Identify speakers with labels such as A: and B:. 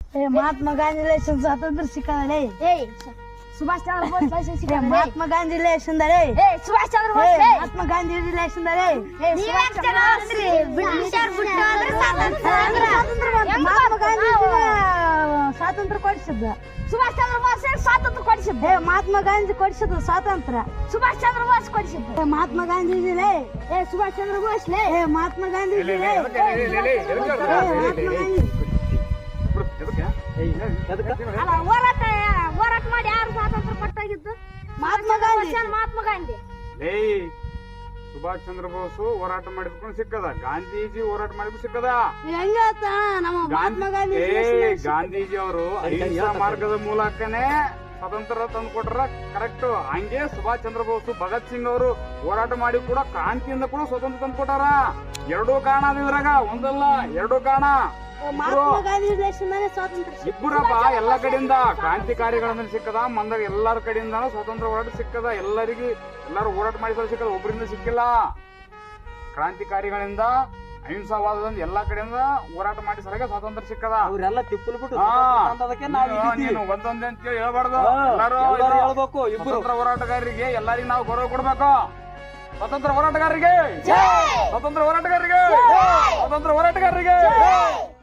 A: महात्मा गांधी लेशन स्वातंत्र्य सिक्काले
B: सुभाष चंद्र बोस लेशन सिक्का
A: महात्मा गांधी लेशन दरे
B: सुभाष चंद्र बोस
A: महात्मा गांधी लेशन दरे
B: सुभाष चंद्र ಬ್ರಿಟಿಷರ್ ಬಿಟ್ಟು ಅಂದ್ರೆ
A: महात्मा गांधी स्वातंत्र्य ಕೊಡಿಸಿದ್ದ
B: ಸುಭಾಷ್ ಚಂದ್ರ ಬೋಸ್ ಸ್ವಾತಂತ್ರ್ಯ ಕೊಡಿಸಿದ್ದ
A: महात्मा गांधी ಕೊಡಿಸಿದ ಸ್ವಾತಂತ್ರ್ಯ
B: ಸುಭಾಷ್ ಚಂದ್ರ ಬೋಸ್ ಕೊಡಿಸಿದ್ದ
A: महात्मा गांधी ಲೇ
B: ಸುಭಾಷ್ ಚಂದ್ರ ಬೋಸ್ ಲೇ
A: महात्मा गांधी ಲೇ
B: ಅಲ್ಲ ಹೋರಾಟ ಮಾಡಿ ಯಾರು ಸ್ವಾತಂತ್ರ್ಯ ಕೊಟ್ಟಾಗಿದ್ದು
A: ಮಹಾತ್ಮ ಗಾಂಧಿ
B: ಮಹಾತ್ಮ ಗಾಂಧಿ
C: ಸುಭಾಷ್ ಚಂದ್ರ ಬೋಸ್ ಹೋರಾಟ ಮಾಡಿದ್ಕೊಂಡು ಸಿಕ್ಕದ ಗಾಂಧೀಜಿ ಹೋರಾಟ ಮಾಡಿದ್ರು ಸಿಕ್ಕದ
A: ಹೆಂಗಾತ ನಮ್ಮ ಮಹಾತ್ಮ ಗಾಂಧಿ
C: ಗಾಂಧೀಜಿ ಅವರು ಅಹಿಂಸಾ ಮಾರ್ಗದ ಮೂಲಕನೇ ಸ್ವತಂತ್ರ ತಂದು ಕೊಟ್ರ ಕರೆಕ್ಟ್. ಹಂಗೆ ಸುಭಾಷ್ ಚಂದ್ರ ಬೋಸ್ ಭಗತ್ ಸಿಂಗ್ ಅವರು ಹೋರಾಟ ಮಾಡಿ ಕೂಡ ಕ್ರಾಂತಿಯಿಂದ ಕೂಡ ಸ್ವತಂತ್ರ ತಂದು ಕೊಟ್ಟಾರ. ಎರಡೂ ಕಾರಣ ಇದ್ರಾಗ, ಒಂದಲ್ಲ ಎರಡು ಕಾರಣ.
A: ಮಹಾತ್ಮ ಗಾಂಧಿ ದೇಶದ ಸ್ವಾತಂತ್ರ್ಯ
C: ಇಬ್ಬರಪ್ಪ ಎಲ್ಲ ಕಡೆಯಿಂದ ಕ್ರಾಂತಿಕಾರಿಗಳಿಂದ ಸಿಕ್ಕದ, ಮಂದಾಗ ಎಲ್ಲರ ಕಡೆಯಿಂದ ಸ್ವತಂತ್ರ ಹೋರಾಟ ಸಿಕ್ಕದ. ಎಲ್ಲರೂ ಹೋರಾಟ ಮಾಡಿ ಸಿಕ್ಕದ, ಒಬ್ಬರಿಂದ ಸಿಕ್ಕಿಲ್ಲ. ಕ್ರಾಂತಿಕಾರಿಗಳಿಂದ ಅಹಿಂಸಾವಾದದಿಂದ ಎಲ್ಲಾ ಕಡೆಯಿಂದ ಹೋರಾಟ ಮಾಡಿ ಸಲಗ ಸ್ವಾತಂತ್ರ್ಯ ಸಿಕ್ಕದ.
D: ಅವರೆಲ್ಲ ತಿಪ್ಪಲು ಬಿಟ್ಟು
C: ನೀನು ಒಂದೊಂದೇ ಅಂತ ಹೇಳಿ ಹೇಳ್ಬಾರ್ದು. ಎಲ್ಲರೂ
D: ಹೇಳ್ಬೇಕು.
C: ಸ್ವತಂತ್ರ ಹೋರಾಟಗಾರರಿಗೆ ಎಲ್ಲರಿಗೂ ನಾವು ಗೌರವ ಕೊಡ್ಬೇಕು. ಸ್ವತಂತ್ರ ಹೋರಾಟಗಾರರಿಗೆ ಸ್ವತಂತ್ರ ಹೋರಾಟಗಾರರಿಗೆ ಸ್ವತಂತ್ರ ಹೋರಾಟಗಾರರಿಗೆ